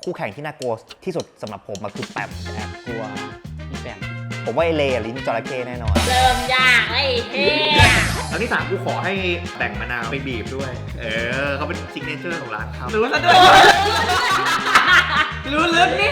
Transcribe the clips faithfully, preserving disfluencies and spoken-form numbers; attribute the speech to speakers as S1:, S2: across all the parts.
S1: คู่แข่งที่น่ากลัวที่สุดสำหรับผมมันคือแปม
S2: แอบกลัวพี่แปม
S1: ผมว่าไอเลลิ้นจระเข้แน่นอน
S3: เริ่มยากไอ้เฮีย
S4: ครั้งที่สามกูขอให้แบ่งมะนาวไปบีบด้วยเออเขาเป็นซิกเนเจอร์ของร้านเขา
S2: รู้ซะด้วยรู้ลึกนี่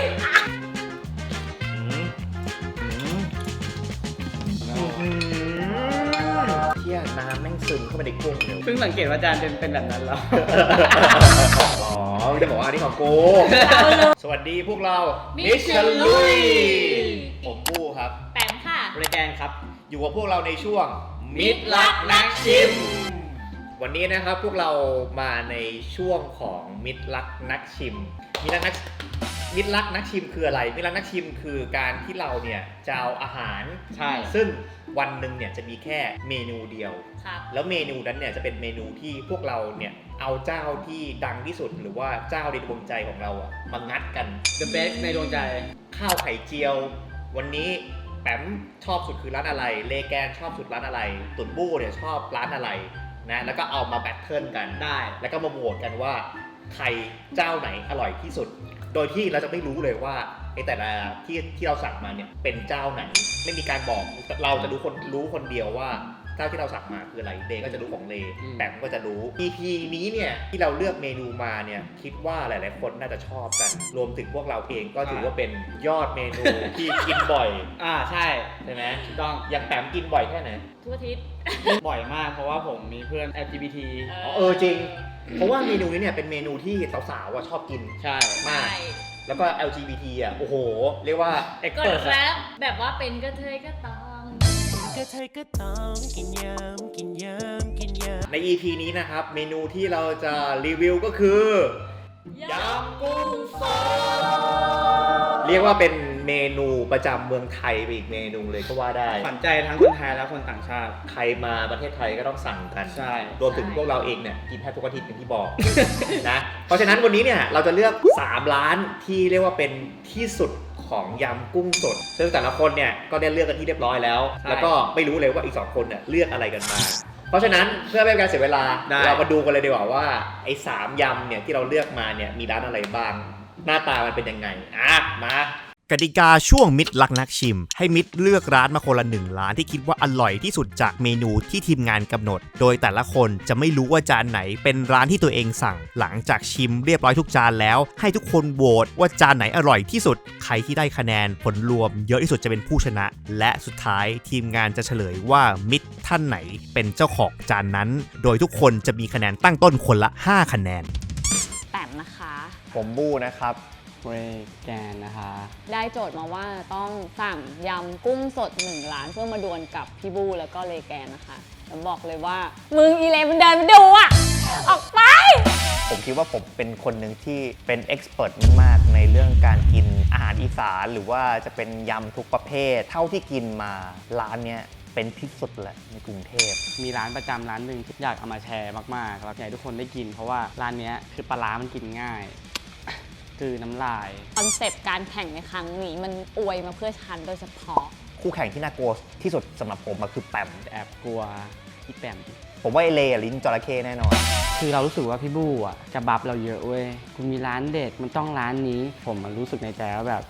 S1: เที่ยน้ำแม่งซึมเข้าไปในกุ้งเดี๋ยว
S2: เพิ่งสังเกตว่าจานเป็นเป็นแบบนั้นแล้ว
S4: อ๋อจะบอกว่าอันนี้ของกูสวัสดีพวกเรามิชลุยผมปู้ครับ
S3: แปมค่ะ
S2: บริแกนครับ
S4: อยู่กับพวกเราในช่วงมิตรรักนักชิมวันนี้นะครับพวกเรามาในช่วงของมิตรรักนักชิมมิตรรักนักมิตรรักนักชิมคืออะไรมิตรรักนักชิมคือการที่เราเนี่ยจะเอาอาหาร
S2: ใช่
S4: ซึ่งวันหนึ่งเนี่ยจะมีแค่เมนูเดียว
S3: ครับ
S4: แล้วเมนูนั้นเนี่ยจะเป็นเมนูที่พวกเราเนี่ยเอาเจ้าที่ดังที่สุดหรือว่าเจ้าในดวงใจของเราอะมางัดกัน
S2: The best ในดวงใจ
S4: ข้าวไข่เจียววันนี้แปมชอบสุดคือร้านอะไรเลแกนชอบสุดร้านอะไรตุ่นบู้เนี่ยชอบร้านอะไรนะแล้วก็เอามาแบทเทิลกัน
S2: ได้
S4: แล้วก็มาโหวตกันว่าใครเจ้าไหนอร่อยที่สุดโดยที่เราจะไม่รู้เลยว่าไอ้แต่ละที่ที่เราสั่งมาเนี่ยเป็นเจ้าไหนไม่มีการบอกเราจะรู้คนรู้คนเดียวว่าเจ้าที่เราสั่งมาคืออะไรเลก็จะรู้ของเลแปมก็จะรู้ อี พี นี้เนี่ยที่เราเลือกเมนูมาเนี่ยคิดว่าหลายๆคนน่าจะชอบกันรวมถึงพวกเราเองก็ถือว่าเป็นยอดเมนูที่กินบ่อย
S2: อ่าใช่
S4: ใช่ไหม
S2: ถูกต้อง
S4: อย่างแปมกินบ่อยแค่ไหน
S3: ทุกอาทิตย์
S2: บ่อยมากเพราะว่าผมมีเพื่อน แอล จี บี ที
S4: อ๋อเออจริงเพราะว่าเมนูนี้เนี่ยเป็นเมนูที่สาวๆชอบกิน
S2: ใช่
S4: มากแล้วก็ แอล จี บี ที อ่ะโอ้โหเรียกว่า
S3: เอ็กเปิร์ตแล้วแบบว่าเป็นกระเทยก็ต้อง
S5: กระเทยก็ต้องกินยำกินยำกินยำ
S4: ใน อี พี นี้นะครับเมนูที่เราจะรีวิวก็คือยำกุ้งสดเรียกว่าเป็นเมนูประจำเมืองไทยไปอีกเมนูเลยก็ว่าได้
S2: ขวัญใจทั้งคนไทยและคนต่างชาติ
S4: ใครมาประเทศไทยก็ต้องสั่งกัน
S2: ใช่
S4: รวมถึงพวกเราเองเนี่ยกินแทบทุกอาทิตย์อย่างที่บอก นะเพราะฉะนั้นวันนี้เนี่ยเราจะเลือกสามร้านที่เรียกว่าเป็นที่สุดของยำกุ้งสดซึ่งแต่ละคนเนี่ยก็ได้เลือกกันที่เรียบร้อยแล้วแล้วก็ไม่รู้เลยว่าอีกสองคนเนี่ยเลือกอะไรกันมาเพราะฉะนั้นเพื่อไม่ให้การเสียเวลาเรามาดูกันเลยดีกว่าว่าไอ้สามยำเนี่ยที่เราเลือกมาเนี่ยมีร้านอะไรบ้างหน้าตามันเป็นยังไงอ่ะมาก
S1: ติกาช่วงมิตรรักนักชิมให้มิตรเลือกร้านมาคนละหนึ่งร้านที่คิดว่าอร่อยที่สุดจากเมนูที่ทีมงานกำหนดโดยแต่ละคนจะไม่รู้ว่าจานไหนเป็นร้านที่ตัวเองสั่งหลังจากชิมเรียบร้อยทุกจานแล้วให้ทุกคนโหวตว่าจานไหนอร่อยที่สุดใครที่ได้คะแนนผลรวมเยอะที่สุดจะเป็นผู้ชนะและสุดท้ายทีมงานจะเฉลยว่ามิตรท่านไหนเป็นเจ้าของจานนั้นโดยทุกคนจะมีคะแนนตั้งต้นคนละห้าคะแนน
S3: แปมนะคะ
S1: ผมบู้นะครับ
S2: เรแกนนะคะ
S3: ได้โจทย์มาว่าต้องสั่งยำกุ้งสดหนึ่งร้านเพื่อมาดวลกับพี่บูแล้วก็เลแกนนะคะแล้วบอกเลยว่ามึงอีเลมันเดินไปดูอ่ะออกไป
S1: ผมคิดว่าผมเป็นคนหนึ่งที่เป็นเอ็กซ์เพรสมากๆในเรื่องการกินอาหารอีสานหรือว่าจะเป็นยำทุกประเภทเท่าที่กินมาร้านเนี้ยเป็นที่สุดแหละในกรุงเทพ
S2: มีร้านประจำร้านหนึ่งที่อยากเอามาแชร์มากๆแล้วอยากให้ทุกคนได้กินเพราะว่าร้านนี้คือปลาร้ามันกินง่ายคือน้ำลาย
S3: คอนเซปต์การแข่งในครั้งนี้มันอวยมาเพื่อฉันโดยเฉพาะ
S1: คู่แข่งที่น่ากลัวที่สุดสำหรับผมมันคือแปม
S2: แอบกลัวพี่แปม
S1: ผมว่าไอเลลิ้นจระเข้แน่นอน
S2: คือเรารู้สึกว่าพี่บู้อ่ะจะบัฟเราเยอะเว้ยคุณมีร้านเด็ดมันต้องร้านนี้ผมมันรู้สึกในใจว่าแบบ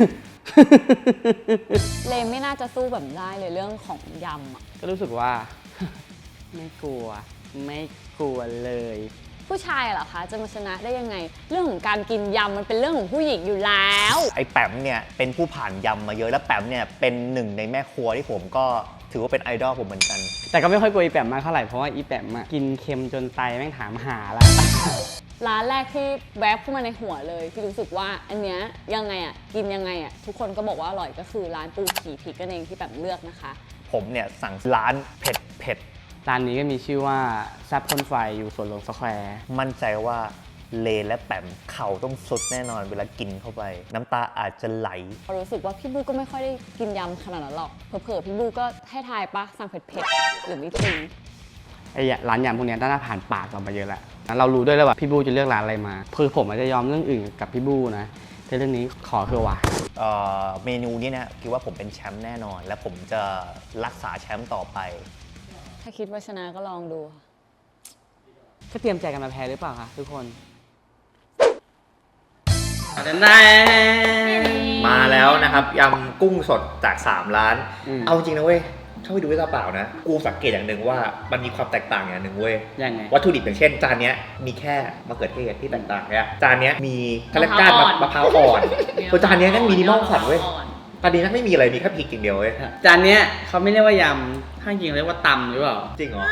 S3: เลไม่น่าจะสู้แบบได้เลยเรื่องของยำอ่ะ
S2: ก็รู้สึกว่า ไม่กลัวไม่กลัวเลย
S3: ผู้ชายเหรอคะจะมาชนะได้ยังไงเรื่องของการกินยำมันเป็นเรื่องของผู้หญิงอยู่แล้ว
S1: ไอ้แปมเนี่ยเป็นผู้ผ่านยำมาเยอะแล้วแปมเนี่ยเป็นหนึ่งในแม่ครัวที่ผมก็ถือว่าเป็นไอดอลผมเหมือนกัน
S2: แต่ก็ไม่ค่อยกลัวอีแปมมากเท่าไหร่เพราะว่าอีแปมกินเค็มจนไตแม่งถามหาแล้ว
S3: ร้านแรกที่แวบเข้ามาในหัวเลยที่รู้สึกว่าอันเนี้ยยังไงอ่ะกินยังไงอ่ะทุกคนก็บอกว่าอร่อยก็คือร้านปูขี่พริกกันเองที่แปมเลือกนะคะ
S1: ผมเนี่ยสั่งร้านเผ็ดเผ็ด
S2: ร้านนี้ก็มีชื่อว่าแซ่บพ่นไฟอยู่สวนหลวงสแควร์
S1: มั่นใจว่าเลและแปมเข่าต้องสุดแน่นอนเวลากินเข้าไปน้ำตาอาจจะไหล
S3: รู้สึกว่าพี่บูก็ไม่ค่อยได้กินยำขนาดนั้นหรอกเผลอๆพี่บูก็ให้ทายปะสั่งเผ็ดๆหรือไม่จริง
S2: ไอ้ร้านยำพวกนี้น่าจะผ่านปากเรามาเยอะแล้วเรารู้ด้วยแล้วว่าพี่บูจะเลือกร้านอะไรมาคือผมอาจจะยอมเรื่องอื่นกับพี่บูนะแต่เรื่องนี้ขอเถอะว่ะ
S1: เมนูนี้นะคิดว่าผมเป็นแชมป์แน่นอนและผมจะรักษาแชมป์ต่อไป
S3: ถ้าคิดว่าชนะก็ลองดู
S2: ก็เตรียมใจกันมาแพ้หรือเปล่าคะทุกคนจะได้
S4: มาแล้วนะครับยำกุ้งสดจากสามร้าน
S2: อืม
S4: เอาจริงนะเว้ยเข้าไปดูด้วยตาเปล่านะกูสังเกตอย่างหนึ่งว่ามันมีความแตกต่างอย่างหนึ่งเว้ย
S2: ยังไง
S4: วัตถุดิบอย่างเช่นจานเนี้ยมีแค่มะเขือเทศที่แตกต่างเนี่ยจานเนี้ยมีคาแรคก้านมะพร้าวอ่อนตัวจานเนี้ยนั่งมินิมอลสัตว์เว้ยจานนี้นั่งไม่มีอะไรมีแค่พริกอย่างเดียวเว้ย
S2: จานเนี้ยเขาไม่เรียกว่ายำถ้าจริงเรียกว่าตำหรือเปล่า
S4: จริงเหรอ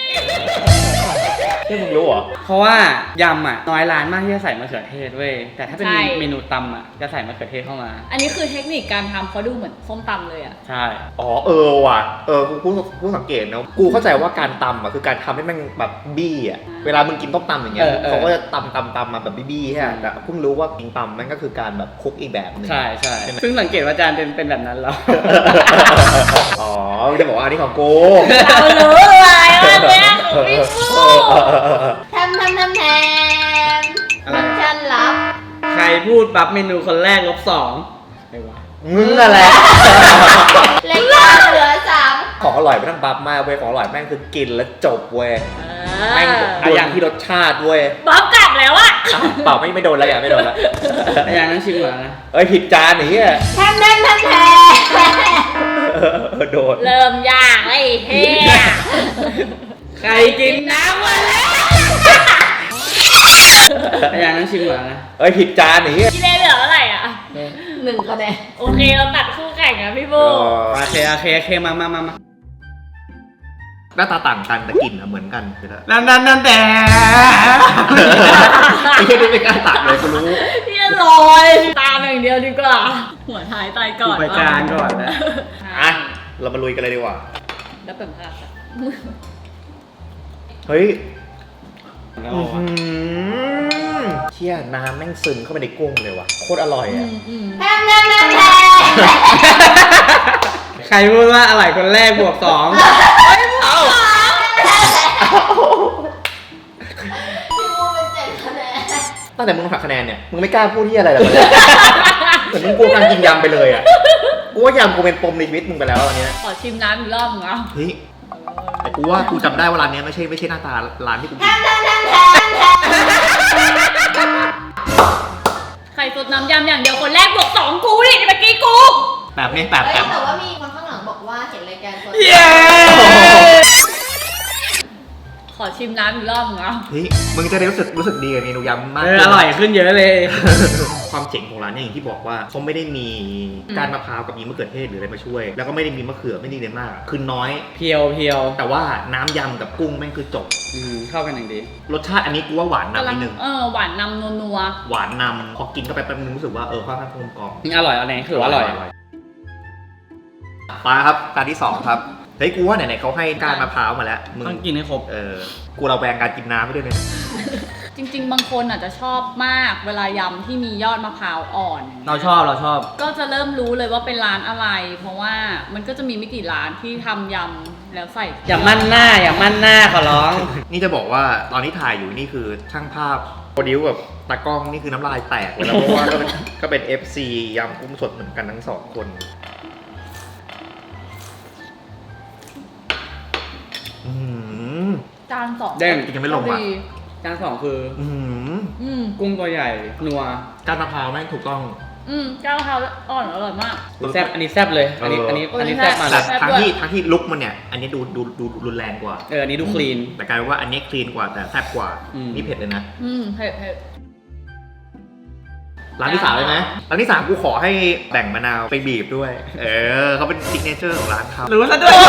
S4: ที่มึงรู้เหรอ
S2: เพราะว่ายำอ่ะน้อยร้านมากที่จะใส่มะเขือเทศเว้ย แต่ถ้าเป็น
S3: ใช่
S2: เมนูตำอ่ะจะใส่มะเขือเทศเข้ามา
S3: อันนี้คือเทคนิคการทำเขาดูเหมือนส้มตำเลยอะ
S2: ใช่
S4: อ๋อเออว่ะเออกูกูกูสังเกตนะกูเข้าใจว่าการตำอ่ะคือการทำให้มันแบบบี้อ่ะเวลามึงกินต้มตำอย่างเงี้ยเขาก็จะตำตำตำมาแบบบี้ๆใช่ไหมแต่เพิ่งรู้ว่ากินตำมันก็คือการแบบคลุกอีกแบบหนึง
S2: ใช่ใช่ซึ่งสังเกตว่าจานเป็นเป็นแบบนั้นแล้ว
S4: อ๋อจะบอกว่าอันนี้ของกู
S3: เรารู้อะไรว่าเนี่ยของพี่ฟู
S6: ทำทำทำแทน
S2: อะไร
S6: มันฉันรับ
S2: ใครพูดปั๊บเมนูคนแรกลบสองไอ้วะ
S4: มึงอะไร
S6: รายการเหลือสาม
S4: ของอร่อยไม่ต้องบัฟมากเว้ยของอร่อยแม่งคือกินแล้วจบเว้ยแม่งโดนที่รสชาติเว้ย
S3: บ๊อบกลับแล้วอะ
S4: อ่ะเปล่าไม่ไม่โดนแล้วอย่าไม่โดนแล้ว
S2: ไอ้อย่างนั้นชิมก่อนนะ
S4: เอ้ยผิดจานไอ้เหี้ย
S6: ทำทำทำแทน
S4: เออเออโดน
S3: เริ่มยากไอ้เฮีย
S2: ใครกินน้ำมาแล้วไอ้อย่างนั้นชิมก่อนนะ
S4: เอ้ยผิดจานไอ้เหี้ย
S3: พี่เล่เหลือเท่าไหร่อะ
S6: หนึ่งคะแนน
S3: โอเคเราตัดคู่แข่งนะพี่ฟู
S4: เออ
S2: โอเคโอเคโอเคมามามามา
S4: หน้าตาต่างกันแต่กลิ่นอะเหมือนกันคือ
S2: นั่นนั่นนั่นแต่
S4: ไอ้เหี้ยนี่ไม่กล้าตัดเลยกูรู้
S3: พี่ลอยตามอย่างเดียวดีกว่า หัวท้ายตายก่อน
S2: ไปจานก่อนนะ
S4: อ่ะเรามาลุยกันเลยดีกว่า
S3: แล้วเป็นภาพอะ
S4: เฮ้ย
S2: แล้ว
S4: อื้อ
S2: วะ
S4: หือเชี่ยน้ำแม่งซึมเข้าไปในกุ้งเลยว่ะโคตรอร่อย
S3: อื
S4: อ่ะ
S3: มอืม
S6: ทำทำทำแทน
S2: ใครพูดว่าอร่อยคนแรกบวกสอง
S6: พี่มูเป็นเจ็ดคะแนน
S4: ตั้งแต่มึงหักคะแนนเนี่ยมึงไม่กล้าพูดที่อะไรเลยเหมือนมึงกลัวการกินยำไปเลยอ่ะกูว่ายำกูเป็นปมในชีวิตมึงไปแล้วตอนเนี้ย
S3: ขอชิมน้ำอีกรอบหนึงอ่ะ
S4: เฮ้ยแต่กูว่ากูจำได้ว่าร้านเนี้ยไม่ใช่ไม่ใช่หน้าตาร้านที่กูกิน
S6: ทำทำทำแทน
S3: ไข่สดน้ำยำอย่างเดียวคนแรกบวกสองกูดิเมื่อกี้กู
S4: แบบนี้แบบ
S6: เอ้ย
S4: แบบ
S6: แต่ว่ามีคนข้างหลังบอกว่าเห็นรายการคน
S2: เย้
S3: ขอชิมน้ำอีกรอบหนึงอ่ะ
S4: เฮ้ยมึงจะได้รู้สึกรู้สึกดีกับเมนูยำมาก
S2: เอออร่อยขึ้นเยอะเลย
S4: ความเจ๋งของร้านเนี่ยอย่างที่บอกว่าเขาไม่ได้มีการมะพร้าวกับมีมะเขือเทศหรืออะไรมาช่วย แล้วก็ไม่ได้มีมะเขือไม่ได้เลยมาก คือน้อย
S2: เพียวเพียว
S4: แต่ว่าน้ำยำกับกุ้งแม่งคือจบ
S2: อืมเข้ากันอย่างดี
S4: รสชาติอันนี้กูว่าหวานนำนิดนึง
S3: เออหวานนำนัว
S4: หวานนำพอกินเข้าไปแป๊บนึงรู้สึกว่าเออค่อนข้างกลมกล่อม
S2: อร่อยอะไรคือว่าอร่อย
S4: มาครับการที่สองครับเฮ้ยกูว่าไหนๆเขาให้การมะพร้าวมาแล้วมึง
S2: ต้องกินให้ครบ
S4: เออกูเราแบงการกินน้ำไปด้วยเนี่ย
S3: ๆจริง ๆ บางคนอาจจะชอบมากเวลายำที่มียอดมะพร้าวอ่อน
S2: เราชอบเราชอบ
S3: ก็จะเริ่มรู้เลยว่าเป็นร้านอะไร เพราะว่ามันก็จะมีไม่กี่ร้านที่ทำยำแล้วใส่
S2: อย่ามั่นหน้าอย่ามั่นหน้าขอร้อง
S4: นี่จะบอกว่าตอนที่ถ่ายอยู่นี่คือช่างภาพโปรดิวกับตากล้องนี่คือน้ำลายแตกเลยนะเพราะว่าก็เป็นก็เป็น เอฟ ซี ยำกุ้งสดเหมือนกันทั้งสองคนอืม
S3: จานสอง
S2: เด้ง
S4: ยังไม่ลงอ่ะ
S3: ดี
S2: จานสองคือ
S4: อืม
S3: อืม
S2: กุ้งตัวใหญ่นัว
S4: การมะพร้าวแม่งถูกต้อง
S3: อืมเจ้ามะพร้าวอ่อนอร่อยมาก
S2: แซ่บอันนี้แซ่บเลย อันนี้อันนี้
S3: เอออั
S2: อันนี้
S3: แซ่
S2: แซ่บบ มาเล
S4: แต่
S2: ย
S4: ทั้งที่ทั้งที่ลุกมันเนี่ย อันนี้ดูดูดูรุนแรงกว่า
S2: เอออันนี้ดูคลีน
S4: แต่กลายเป็นว่าอันนี้คลีนกว่าแต่แซ่บกว่า
S2: อืม
S4: นี่เผ็ดเลยนะ
S3: อืมเผ็ดเผ็ด
S4: ร้านที่สามเลยไหมร้านที่สามกูขอให้แบ่งมะนาวไปบีบด้วย เออเขาเป็นซิกเนเจอร์ของร้านเขา
S2: รู้ซะด้วย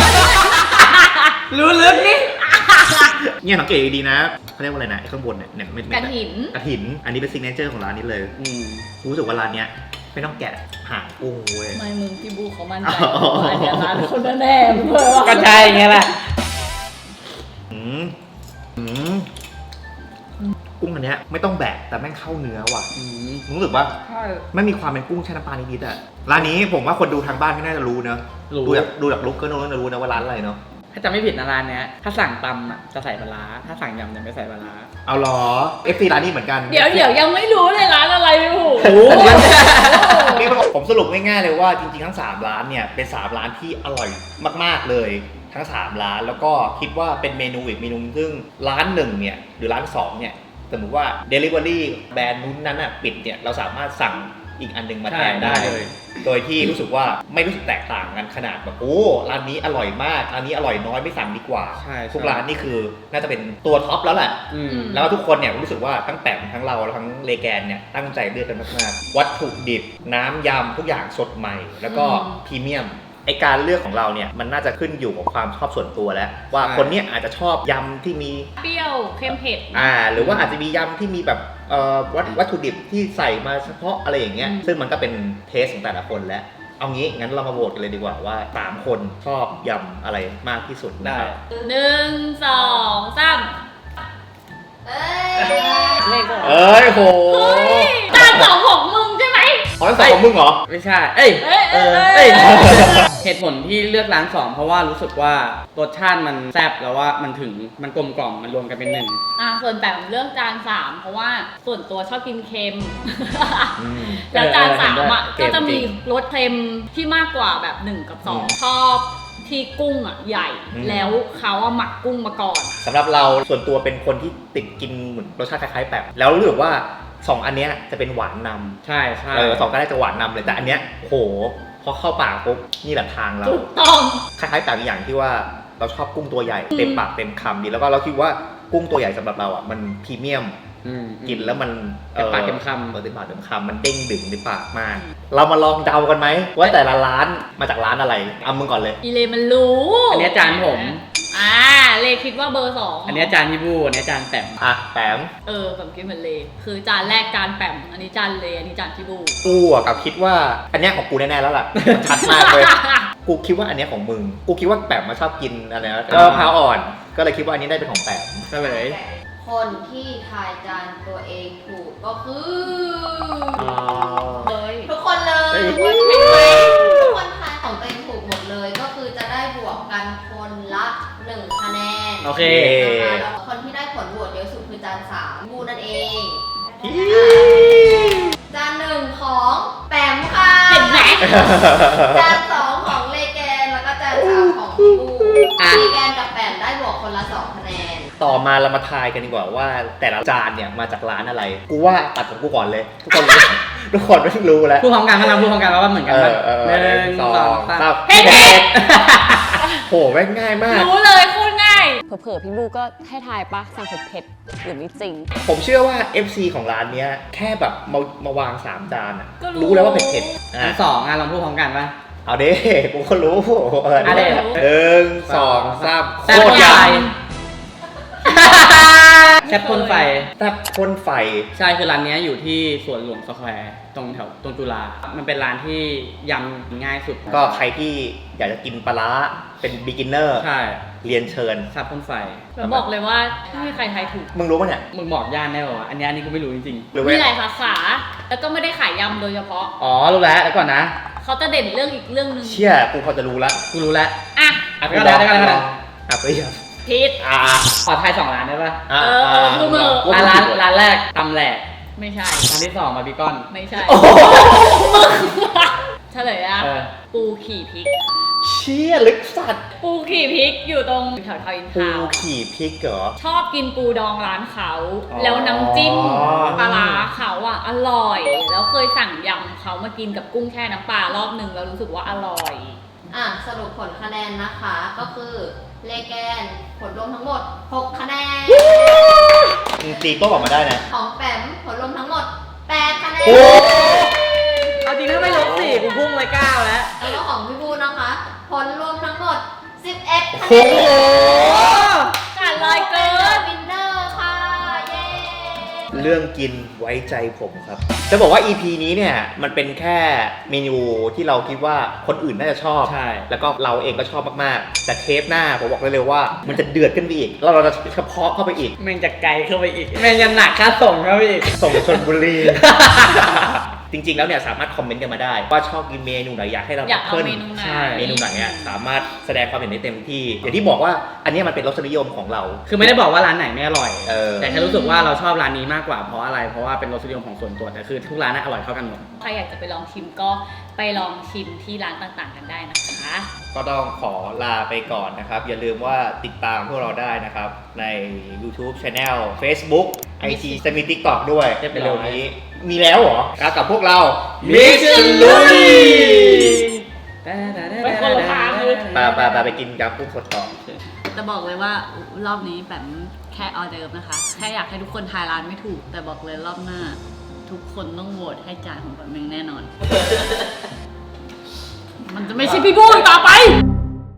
S2: รู้ลึกนี่
S4: เนี่ยสังเกตดีๆนะเขาเรียกว่าอะไรนะไอ้ข้างบนเนี่ยเนี่ยไม่ไม่
S3: กระถิน
S4: กระถิน อันนี้เป็นซิกเนเจอร์ของร้านนี้เลย
S2: อืม
S4: รู้สึกว่าร้านเนี้ยไม่ต้องแกะหางกุ้งเว้ย
S3: ไม่มึงพี่บูเขามั่นใจ
S4: อ๋อ
S3: ว่าอันเนี้ยร้านคนแน่ๆมึงเลยว่า
S2: ก็ใช่ไงล่ะ
S4: อืมอืมกุ้งอันเนี้ยไม่ต้องแบะแต่แม่งเข้าเนื้อว่ะ
S2: อืม
S4: รู้สึกว่า
S3: ใช่
S4: ไม่มีความเป็นกุ้งแช่น้ำปลานิดๆอ่ะร้านนี้ผมว่าคนดูทางบ้านก็น่าจะรู้เนอะ
S2: รู้
S4: ดูจากดูจากลุกก็น่าจะรู้นะว่าร้านอะไรเนาะ
S2: ถ้าจำไม่ผิดนะร้านเนี้ย ถ้าสั่งตำอ่ะจะใส่ปลาร้าถ้าสั่งยำจะไม่ใส่ปลาร้า
S4: เอาเหรอ เอฟ ซี ร้านนี้เหมือนกัน
S3: เดี๋ยวเดี๋ยวยังไม่รู้เลยร้านอะไรพี่บู
S4: โอ้โหนี่ผมสรุปง่ายๆเลยว่าจริงๆทั้งสามร้านเนี่ยเป็นสามร้านที่อร่อยมากๆเลยทั้งสามร้านแล้วก็คิดว่าเป็นเมนูอีกเมนูซึ่งร้านหนึ่งเนี่ยหรือร้านสองเนี่ยสมมติว่า Delivery แบรนด์นู้นนั้นอ่ะปิดเนี่ยเราสามารถสั่งอีกอันหนึงมาแทนได้
S2: ใช่ได้เลย
S4: โดยที่รู้สึกว่าไม่รู้สึกแตกต่างกันขนาดแบบโอ้ร้านนี้อร่อยมากร้านนี้อร่อยน้อยไม่สั่งดีกว่า
S2: ใช่
S4: ทุกร้านนี่คือน่าจะเป็นตัวท็อปแล้วแหละ
S2: อืม
S4: แล้วทุกคนเนี่ยรู้สึกว่าทั้งแปมทั้งเราแล้วทั้งเลแกนเนี่ยตั้งใจเลือกกันมากๆวัตถุดิบน้ำยำทุกอย่างสดใหม่ แล้วก็
S3: อืม
S4: พรีเมียมไอการเลือกของเราเนี่ยมันน่าจะขึ้นอยู่กับความชอบส่วนตัวแล้ว ว่าคนเนี้ยอาจจะชอบยำที่มี
S3: เปรี้ยวเค็มเผ็ด
S4: อ่าหรือว่าอาจจะมียำที่มีแบบเอ่อวัตวัตถุดิบที่ใส่มาเฉพาะอะไรอย่างเงี้ย
S3: อืม
S4: ซึ่งมันก็เป็นเทสของแต่ละคนแล้วเอางี้งั้นเรามาโหวตกันเลยดีกว่าว่าสามคนชอบยำอะไรมากที่สุดนะครับ
S3: หนึ่งสองสาม
S6: เอ้ย
S3: เลขก่อน
S4: เอ้ยโห
S3: เฮ้ยจานสองของมึงใช่ไหม
S4: อ๋อสองของมึงเหรอ
S2: ไม่ใช่ เอ้ย
S3: เอ้ย
S2: เอ
S3: เอ้
S2: อย เอ้ย เหตุผลที่เลือกร้านสองเพราะว่ารู้สึกว่ารสชาติมันแซ่บแล้วว่ามันถึงมันกลมกล่อมมันรวมกันเป็นหนึ่ง
S3: อ่ะส่วนแบบเลือกจานสามเพราะว่าส่วนตัวชอบกินเค็ม
S4: อืม
S3: แล้วจานสามอ่ะ
S4: เออเห็นด้วย
S3: ก็จะมี
S4: เค็มจริง
S3: รสเค็มที่มากกว่าแบบหนึ่งกับสอง
S4: อืม
S3: ชอบที่กุ้งอ่ะใหญ่
S4: อืม
S3: แล้วเขาอ่ะหมักกุ้งมาก่อน
S4: สำหรับเราส่วนตัวเป็นคนที่ติดกินเหมือนรสชาติคล้ายๆแบบแล้วรู้สึกว่าสองอันเนี้ยจะเป็นหวานนำ
S2: ใช่ใช่
S4: เออสองก็ได้จะหวานนำเลยแต่อันเนี้ยโหพอเข้าปากปุ๊บนี่แหละทางเรา
S3: ถูกต้อง
S4: คล้ายๆแบบอย่างที่ว่าเราชอบกุ้งตัวใหญ่เต็มปากเต็มคำดีแล้วก็เราคิดว่ากุ้งตัวใหญ่สำหรับเราอ่ะมันพรีเมียม
S2: อืม
S4: กินแล้วมัน
S2: เต็มปากเต็มคำ
S4: เออเต็มปากเต็มคำมันเด้งดึงในปากมาก เรามาลองเดากันไหมว่าแต่ละร้านมาจากร้านอะไรเอามึงก่อนเลย
S3: อีเลมันรู้
S2: อันเนี้ยจานผม
S3: อ่าเลคิดว่าเบอร์สอง
S2: อันเนี้ยจานพี่บูอันเนี้ยจานแต้ม
S4: อ่ะแปม
S3: เออแบบคิดเหมือนเลคือจานแรกจานแปมอันนี้จานเลอันนี้จานพี่บู
S4: กูอ่ะกับคิดว่าอันเนี้ยของกูแน่ๆแล้วล่ะมันชัดมากเลย กูคิดว่าอันเนี้ยของมึง กูคิดว่าแปมมาชอบกินอะไรนะเออพร้าวอ่อน ก็เลยคิดว่าอันนี้ได้เป็นของแปม
S2: เฉลย
S6: คนที่ทายจานตัวเองถูกก็คือ
S3: เลย
S6: ทุกคนเลย
S4: เฮ้ย
S6: เห็นไหมทุกคนทายของตัวเองถูกหมดเลย ก็คือจะได้บวกกันคนละหนึ่งคะแนน
S2: โอเค
S6: นะคะแล้วคนที่ได้ผลโหวตเยอะสุดคือจานสามบูนั่นเอง จานหนึ่งของแปมค่ะ
S3: เห็นไหม
S6: จานสองของเลแกนแล้วก็จานสามของพี่บู
S2: อ่ะ
S6: เลแกนกับแปมได้บวกคนละสองคะแนน
S4: ต่อมาเรามาทายกันดีกว่าว่าแต่ละจานเนี่ยมาจากร้านอะไร กูว่าตัดของกูก่อนเลย ทุกคนรู้ ทุกคนไม่รู้แล้ว
S2: พูดพร้อมกันพลังพูดพร้อมกันว่าเหมือนกัน
S4: เอ
S2: ปะ
S4: อเออ
S2: หนึ่งสองสาม
S3: เผ็ดเผ็ด
S4: โหแม่งง่ายมาก
S3: รู้เลยโคตรง่าย เผลอๆพี่บูก็ให้ทายปะสั่งเผ็ดๆหรือไม่จริง
S4: ผมเชื่อว่า เอฟ ซี ของร้านเนี้ยแค่แบบมามาวางสามจานอะ
S3: ก็รู้
S4: รู้แล้วว่าเผ็ดๆ
S2: อั
S4: อ่ะ
S2: นสองอ่ะลองพูดพร้อมกันปะ
S4: เอาเด้กูก็รู้เออ
S2: เอาดิ
S4: หนึ่งสองสาม
S2: แซ่บ
S4: โคตร
S2: ให
S4: ให
S2: ญ่
S4: ญ่
S2: แซ่บพ่นไฟ
S4: แซ่บพ่นไฟ
S2: ใช่คือร้านเนี้ยอยู่ที่สวนหลวงสแควร์ตรงแถวตรงจุฬา มันเป็นร้านที่ยำง่ายสุด
S4: ก็ใครที่อยากจะกินปลาร้าเป็น beginner
S2: ใช่
S4: เรียนเชิญ
S2: แซ่บพ่นไฟ
S3: แล้วบอกเลยว่าไม่มีใครทายถูก
S4: มึงรู้ป่ะเนี่ย
S2: มึงบอกย่านได้ป่าวะอันเนี้ยอันนี้กูไม่รู้จริง
S4: หรือ
S3: มีห
S4: ว่า
S3: ลายสาขา แล้วก็ไม่ได้ขายยำโดยเฉพาะ
S2: ๆ อ๋อ รู้แล้วแล้วก่อนนะ
S3: เขาจะเด่นเรื่องอีกเรื่องหนึง
S4: เชี่ยกูพอจะรู้ละ
S2: กูรู้แล้ว
S3: อ่ะ
S2: อ่ะไปก่อนนะไปก่อนนะไปก่อนนะ
S4: อ่ะไปยัง
S3: พิษ
S4: อ่า
S2: ขอทายสองร้านได้ปะ
S4: อ่า
S3: เออเออพูดมาเถอะ
S2: อ่ะร้านร้านแรกตำแหลก
S3: ไม่ใช่
S2: ร้านที่สองบาร์บีคอน
S3: ไม่ใช่
S4: โอ้โห
S3: เฉลยอ่ะ
S2: เออ
S3: ปูขี่พริก
S4: เชี่ยลึกสัตว์
S3: ปูขี่พริกอยู่ตรงแถวทาวน์อิน
S4: ปู
S3: ทาวน์
S4: ขี่พริกเหรอ
S3: ชอบกินปูดองร้านเขา
S4: อ๋อ
S3: แล้วน้ำจิ้มปลาร้าเขาอ่ะอร่อย แล้วเคยสั่งยำเขามากินกับกุ้งแช่น้ำปลารอบหนึ่งแล้วรู้สึกว่าอร่อย
S6: อ่ะสรุปผลคะแนนนะคะก็คือเลแกนผลรวมทั้งหมดหกคะแนน
S4: มึงตีโต๊ะออกมาได้นะ
S6: ของแปมผลรวมทั้งหมดแปดคะแนน
S4: โอ้
S2: เอาจริงถ้าไม่ลบสี่กูพุ่งเลยเก้าแล้ว
S6: แล้วก็ของพี่บูนะคะ ผลรวมทั้งหมดสิบเอ็ดคะ
S4: โห
S6: แนน
S3: ขาดลอยเกิน
S6: วินเนอร์ค่ะ เย้
S4: เรื่องกินไว้ใจผมครับ จะบอกว่า อี พี นี้เนี่ยมันเป็นแค่เมนูที่เราคิดว่าคนอื่นน่าจะชอบ
S2: ใช่
S4: แล้วก็เราเองก็ชอบมากๆ แต่เทปหน้าผมบอกได้เลยว่ามันจะเดือดขึ้นไปอีก แล้วเราจะเฉพาะเข้าไปอีก
S2: แม่งจะไกลเข้าไปอีก แม่งจะหนักค่าส่งเข้าไปอีก
S4: ส่งชนบุรี จริงๆ แล้วเนี่ยสามารถคอมเมนต์กันมาได้ ว่าชอบกินเมนูไหนอยากให้เรา
S3: อยากเอา
S4: พิ่
S3: เมนูไหน
S2: ใช่
S4: เมนูไหนอ่ะสามารถแสดงความเห็นได้เต็มที่ อย่างที่บอกว่าอันเนี้ยมันเป็นรสนิยมของเรา
S2: คือไม่ได้บอกว่าร้านไหนไม่อร่อย
S4: เออ
S2: แต่แค่รู้สึกว่าเราชอบร้านนี้มากกว่าเพราะอะไร เพราะว่าเป็นรสนิยมของส่วนตัว แต่คือทุกร้านน่ะอร่อยเท่ากันหมด
S3: ใครอยากจะไปลองชิมก็ไปลองชิมที่ร้านต่างๆกันได้นะคะ
S4: ก็ต้องขอลาไปก่อนนะครับ อย่าลืมว่าติดตามพวกเราได้นะครับ ใน YouTube Channel Facebook ไอจีจะมี TikTok ด้วย
S2: เรียบร้อย
S4: เร็วๆนี้ มีแล้วเหรอแล้วกับพวกเรา
S2: มิชลุย
S3: ไปคนละทางเลย
S4: ไปไปไปไปกินยำกุ้งสดต่อ
S7: แต่บอกเลยว่ารอบนี้แบบแค่ออเดิร์ฟนะคะ แค่อยากให้ทุกคนทายร้านไม่ถูก แต่บอกเลยรอบหน้า ทุกคนต้องโหวตให้จานของแบบเมงแน่นอน มันจะไม่ใช่พี่บูอีกต่อไป